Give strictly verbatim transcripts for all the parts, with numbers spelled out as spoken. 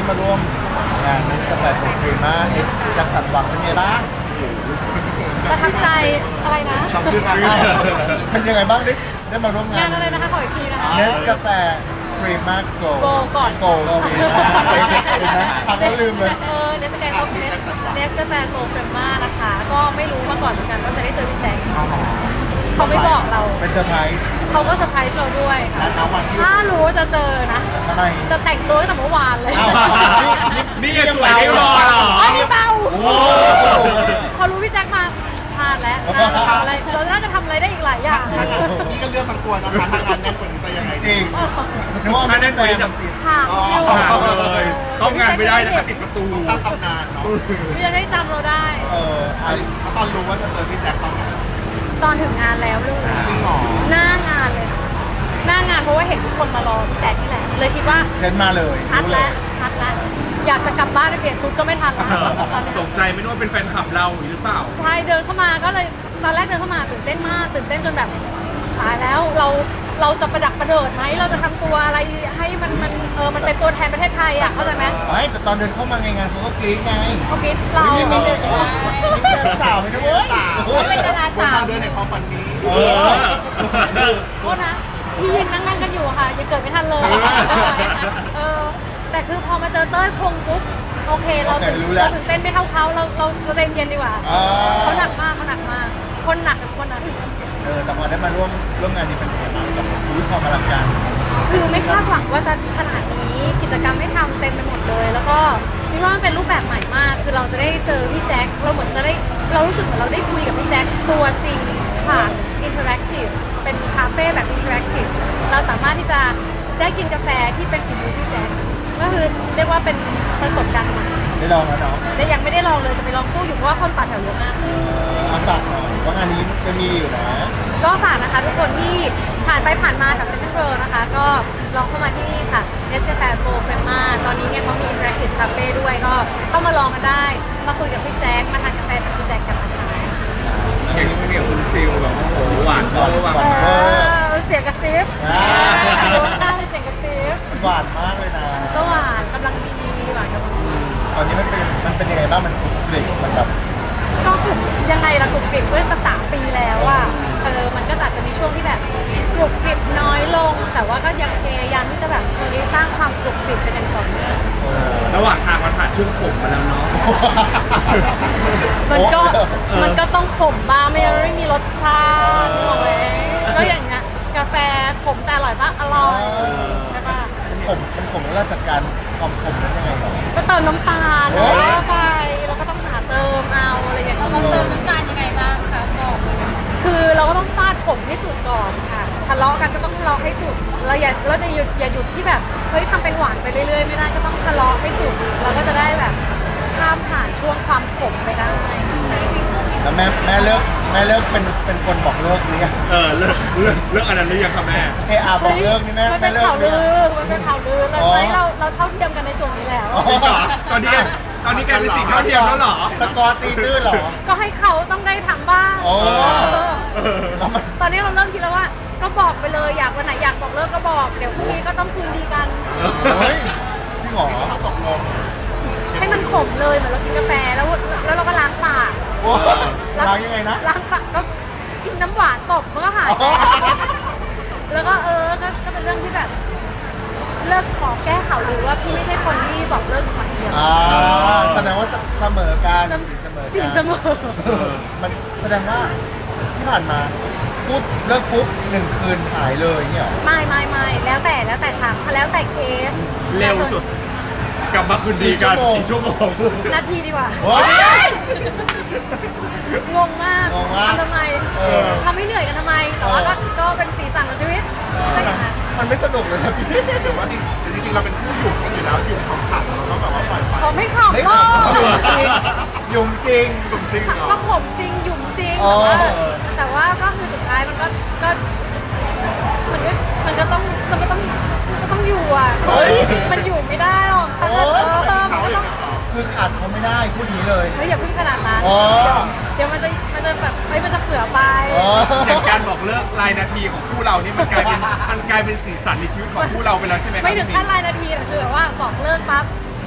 มาร่วมงานเนสกาแฟโปรครีมาเอ็กซ์จากสันหวังเป็นไงบ้างประทับใจอะไรนะจำชื่องานได้เป็นยังไงบ้างได้ได้มาร่วมงางาน นอะไรนะคะขออีกทีนะคะเนสกาแฟครีมาโก Go ก่อนโกโกครีมาเห็นไหมทำแล้วลืมเลยเออเนสกาแฟโกเนสเนสกาแฟโกเฟรมมานะคะ ก็ไม่รู้มาก่อนเหมือนกันว่าจะได้เจอพี่แจ็คเขาไม่บอกเราเป็นเซอร์ไพรส์เขาก็เซอร์ไพรส์เราด้วยค่ะถ้ารู้ว่าจะเจอนะทำไมจะแต่งตัวตั้งแต่เมื่อวานเลยอ้าวนี่ยังสวยไม่พอเหรออ๋อนี่เบาโอ้พอรู้พี่แจ็คมาพลาดแล้วน่าจะทำอะไรเราน่าจะทำอะไรได้อีกหลายอย่างนี่ก็เลือกบางตัวนะคะทางงานแน่นกว่านี้จะยังไงจริงนึกว่าถ้าแน่นกว่านี้จะค่ะอยู่ห่างเลยเข้างานไม่ได้นะคะติดประตูต้องสร้างตำนานเนาะพี่จะได้จำเราได้เอออันเพราะตอนรู้ว่าจะเจอพี่แจ็คตอนไหนตอนถึงงานแล้วลูกจริงเหรอหน้างานเลยค่ะหน้างานเพราะว่าเห็นทุกคนมารอพี่แจ็คนี่แหละเลยคิดว่าเซ็นมาเลยชัดรู้เลแล้วยชัดแล้วอยากจะกลับบ้านไปเปลี่ยนชุดก็ไม่ทันแล้วตอนนี้ตกใจไม่รู้ว่าเป็นแฟนคลับเราหรือเปล่าใช่เดินเข้ามาก็เลยตอนแรกเดินเข้ามาตื่นเต้นมากตื่นเต้นจนแบบตายแล้วเราเราจะประดักประเดิดไหมเราจะทำตัวอะไรให้มันมันเออมันเป็นตัวแทนประเทศไทยอ่ะเข้าใจไหมไม่แต่ตอนเดินเข้ามาไงงานเขาก็กรี๊ดไงเขาคิดเราไม่มีเด็กสาวไม่ได้เว้ยเป็นดาราสาวบนทางเดินในความฝันนี้เออโทษนะพี่ยังนั่งนั่งกันอยู่อะค่ะยังเกิดไม่ทันเลยเออแต่คือพอมาเจอเต้ยคงปุ๊บโอเคเราตื่นเราตื่นเต้นไม่เท่าเขาเราเราเราเต็มเย็นดีกว่าเขาหนักมากเขาหนักมากคนหนักกับคนหนักเออแต่พอได้มาร่วมร่วมงานนี้เป็นยังไงบ้างกับชีวิตความอลังการคือไม่คาดหวังว่าจะขนาดนี้กิจกรรมให้ทำเต็มไปหมดเลย แล้วก็คิดว่ามันเป็นรูปแบบใหม่มาก คือเราจะได้เจอพี่แจ็คเราเหมือนจะได้เรารู้สึกเหมือนเราได้คุยกับพี่แจ็คตัวจริงผ่านอินเทอร์แอคทีฟเป็นคาเฟ่แบบอินเทอร์แอคทีฟเราสามารถที่จะได้กินกาแฟที่เป็นฝีมือพี่แจ็คก็คือเรียกว่าเป็นประสบการณ์ใหม่ได้ลองแล้วเนาะแต่ยังไม่ได้ลองเลยจะไปลองตู้อยู่เพราะว่าคนต่อแถวเยอะมากเอออาฝากหน่อยว่างานนี้จะมีอยู่นะก็ฝากนะคะทุกคนที่ผ่านไปผ่านมาแถวเซ็นทรัลเวิลด์นะคะ ก็ลองเข้ามาที่นี่ค่ะเนสกาแฟโกเฟรมาตอนนี้เนี่ยเขามีอินเทอร์แอคทีฟคาเฟ่ด้วยก็เข้ามาลองกันได้ มาคุยกับพี่แจ๊คมาทานกาแฟจากพี่แจ๊คกันนะคะเก่งเก่งคุณซิลแบบโอ้โหหวานเวอร์หวานเอมากอเสียงกระซิบอ่าโดนหน้าเลยเสียงกระซิบหวานมากเลยนะก็หวานกำลังดีหวานกำลังดีตอนนี้มันเป็นมันเป็นยังไงบ้างมันกรุบกริบมันแบบก็กลุ่มยังไงล่ะกลุ่มกริบเมื่อจะสามปีแล้วอ่ะเออมันก็อาจจะมีช่วงที่แบบกรุบกริบน้อยลง แต่ว่าก็ยังพยายามที่จะแบบเออสร้างความกรุบกริบเป็นอย่างต่อเนื่องเออระหว่างทางมันผ่านช่วงขมมาแล้วเนาะมันก็โอ้มันก็ต้องขมบ้างไม่งั้นไม่มีรสชาตินึกออกไหมก็อย่างเงี้ยกาแฟขมแต่อร่อยปะอร่อยใช่ปะมันขมมันขมแล้วเราจัดการความขมนั้นยังไงหรอก็เติมน้ำตาลโอ้แล้วก็ไปแล้วก็ต้องหาเติมเอาอะไรอย่างเงี้ยเราเติมน้ำตาลยังไงบ้างคะบอกเลยนะคือเราก็ต้องฟาดขมให้สุดก่อนค่ะทะเลาะกันก็ต้องทะเลาะให้สุดเราอย่าเราจะหยุดอย่าหยุดที่แบบเฮ้ยทำเป็นหวานไปเรื่อยๆไม่ได้ก็ต้องทะเลาะให้สุดเราก็จะได้แบบข้ามผ่านช่วงความขมไปได้แต่จริงๆแล้วแม่แม่เลิกแม่เลิกเป็นเป็นคนบอกเลิกหรือยังเออเลิกเลิกเลิกอันนั้นหรือยังครับแม่เออาบอกเลิกนี่แม่มันแม่เป็นเลิกข่าวหรืลือยังอมันเป็นข่าวลือเราอ๋อใช้เราเราเท่าเทียมกันในส่วนนี้แล้วอ๋อตอนนี้ตอนนี้กลายเป็นสิ่งเท่าเทียมแล้วเหรอสกอร์ตีตื้นเหรอก็ให้เขาต้องได้ทำบ้างโอ้เออแล้วมันตอนนี้เราเริ่มคิดแล้วว่า ก็บอกไปเลยอยากวันไหนอยากบอกเลิกก็บอก เดี๋ยวพรุ่งนี้ก็ต้องคืนดีกันเฮ้ยจริงเหรอต้องตกลงให้มันขมเลยเหมือนเรากินกาแฟแล้วแล้วเราก็ล้างปากโอ้ล้างยังไงนะล้างปากก็กินน้ำหวานตบมันก็หายอ๋อแล้วก็เออก็ก็เป็นเรื่องที่แบบ เลิกขอแก้ข่าวลือว่าพี่ไม่ใช่คนที่บอกเลิกคนเดียวอ่าแสดงว่าเสมอการเสมอสิ่กาง รเสมอมันแสดงว่าที่ผ่านมาพูดเลิกปุ๊บหนึ่งคืนหายเลยเนี่ยเหรอไม่ไม่ไม่แล้วแต่แล้วแต่ทางแล้วแต่เคสเร็วสุด กลับมาคืนดีกันอีกชั่วโมงนาทีดีกว่าโอ้ยงงมากงงมากทำทำไมเออทำให้เหนื่อยกันทำไม แต่ว่าก็ก็เป็นสีสันของชีวิตใช่ไหมคะมันไม่สนุกเลยนะพี่หรือว่าจริงๆเราเป็นคู่หยุ่มกันอยู่แล้วหยุ่มของขัดเราก็แบบว่าปล่อยไปผมไม่ขับไม่หรขอำหยุ่มจริงหยุ่มจริงหยุ่มจริงเหรอก็ผมจริงหยุ่มจริงอ๋อแต่ว่าแต่ว่าก็คือสุดท้ายมันก็ก็มันก็มันก็ต้องมันก็ต้องมันก็ต้องอยู่อ่ะเฮ้ยมันอยู่ไม่ได้หรอกแต่โอ๊เอย อมันเขาก็อต้ย่าองงเงี้ยเหรอคือขาดเขาไม่ได้พูดอย่างนี้เลยเฮ้ยอย่าเพิ่งขนาดนั้นอ๋อเดี๋ยวมันจะมันจะแบบเฮ้ยมันจะเผื่อไปอ๋ออย่างการบอกเลิกรายนาทีของคู่เรานี่มันกลายเป็นมันกลายเป็นสีสันในชีวิตของคู่เราไปแล้วใช่ไหมครับไม่ถึงพี่ขั้นรายนาทีอะคือแบบว่าบอกเลิกปั๊บ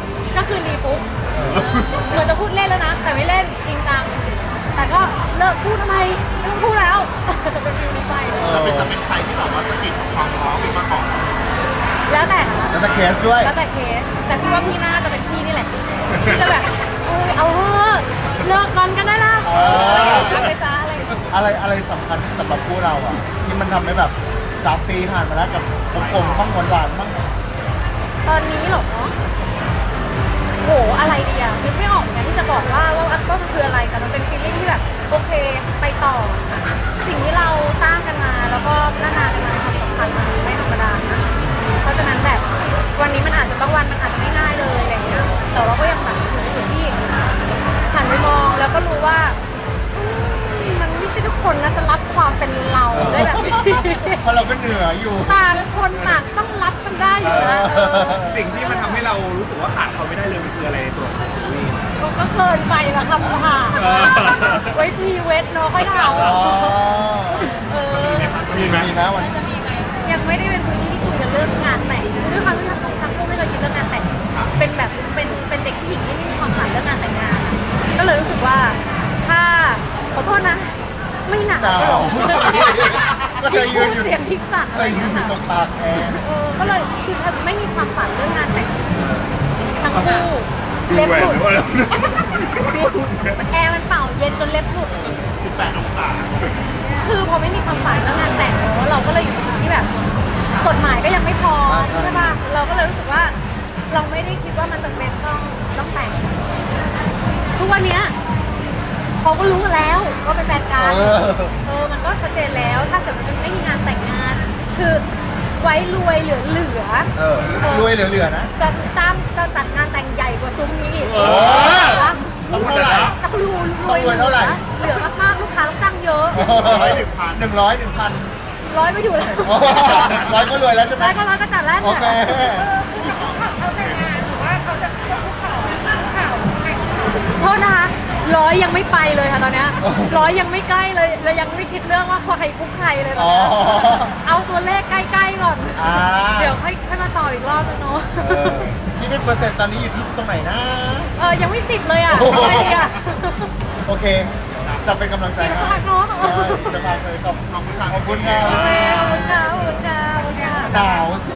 ก็คืนดีปุ๊บเหมือนจะพูดเล่นแล้วนะ แต่ไม่เล่นจริงจังแต่ก็เลิกพูดทำไมไม่ต้องพูดแล้วจะเป็นฟิลนี้ไปจะเป็นจะเป็นใครที่แบบว่าสะกิดความร้องขึ้นมาก่อนแล้วแต่นะแล้วแต่เคสด้วยแล้วแต่เคส แต่พี่ว่าพี่น่าจะเป็นพี่นี่แหละพี่จะแบบเออเอาเถอะเลิกกันกันได้ละเออเอาไปซะอะไรอย่างเงี้ยอะไรอะไรสำคัญสำหรับคู่เราอ่ะ ที่มันทำให้แบบสามปีผ่านมาแล้วกับกลมๆบ้างหวานๆบ้างตอนนี้เหรอโหอะไรดีอะนึกไม่ออกเหมือนกันที่จะบอกว่าว่าว่ามันคืออะไรแต่มันเป็นฟีลลิ่งที่แบบโอเคไปต่อ สิ่งที่เราสร้างกันมาแล้วก็พัฒนากันมาในความสัมพันธ์มันไม่ธรรมดานะเพราะฉะนั้นแบบวันนี้มันอาจจะบางวันมันอาจจะไม่ง่ายเลยอะไรอย่างเงี้ยแต่เราก็ยังแบบอยู่ในจุดที่หันไปมองแล้วก็รู้ว่าอืมมันไม่ใช่ทุกคนนะจะรับความเป็นเราได้แบบนี้เพราะเราก็เหนืออยู่ต่างคนต่างต้องรับกันได้อยู่นะเออสิ่งที่มันทำให้เรารู้สึกว่าขาดเขาไม่ได้เลยมันคืออะไรในตัวของซีรีส์ก็เกินไปละคำถามเออไว้พรีเวทเนาะค่อยถามอ๋อเออมีไหมมีนะวันจะมีไหมยังไม่ได้เป็นพื้นที่ที่คุยกันเรื่องงานแต่งด้วยความที่ทั้งสองทั้งคู่ไม่เคยคิดเรื่องงานแต่งเป็นแบบเป็นเป็นเด็กผู้หญิงที่ไม่มีความฝันเรื่องงานแต่งงานอะก็เลยรู้สึกว่าถ้าขอโทษนะ ไม่หนักหนาวหรอกก็เธอยืนอยู่เสียงทิกสักเคยยืนอยู่ตรงปากแอร์เออก็เลยคือเธอไม่มีความฝันเรื่องงานแต่งทั้งคู่เล็บหลุดดูแหวนหรือว่าอะไรแอร์มันเป่าเย็นจนเล็บหลุดสิบแปดองศาคือพอไม่มีความฝันเรื่องงานแต่งเนอะเราก็เลยอยู่ในจุดที่แบบ กฎหมายก็ยังไม่พออ่าใช่ใช่ป่ะเราก็เลยรู้สึกว่า เราไม่ได้คิดว่ามันจะเป็นต้องต้องแต่ง ทุกวันเนี้ยเขาก็รู้กันแล้วก็เป็นแฟนกันเออเออมันก็ชัดเจนแล้ว ถ้าเกิดมันไม่มีงานแต่งงาน คือไว้รวยเหลือเหลือเออรวยเหลือๆนะจะจ้างจะจัดงานแต่งใหญ่กว่าซุ้มนี้อีกเออวะต้องเท่าไหร่ต้องรวยต้องรวยเท่าไหร่เหลือมากๆลูกค้าต้องจ้างเยอะร้อยหนึ่งพันหนึ่งร้อยหนึ่งพันร้อยไม่อยู่เลยร้อยก็รวยแล้วใช่ไหมร้อยก็ร้อยก็จัดแล้วโอเคเขาแต่งงานหรือว่าเขาจะควบคุกเข่าเข่าแต่งโทษนะคะร้อยยังไม่ไปเลยค่ะตอนเนี้ยโอ้โหร้อยยังไม่ใกล้เลยเรายังไม่คิดเรื่องว่าใครคุกใครเลยตอนอ๋อเนี้ยเอาตัวเลขใกล้ๆก่อนอ่าเดี๋ยวค่อยค่อยมาต่ออีกรอบนึงเนาะเออที่เป็นเปอร์เซ็นต์ตอนนี้อยู่ที่ตรงไหนนะเออยังไม่สิบเลยอ่ะโอ้โหทำไมดีอ่ะโอเค จะเป็นกำลังใจให้อีกสักพักเนอะใช่อีกสักพักเลยขอบขอบคุณค่ะขอบคุณค่ะโอเคขอบคุณค่ะขอบคุณค่ะขอบคุณค่ะหนาวสิ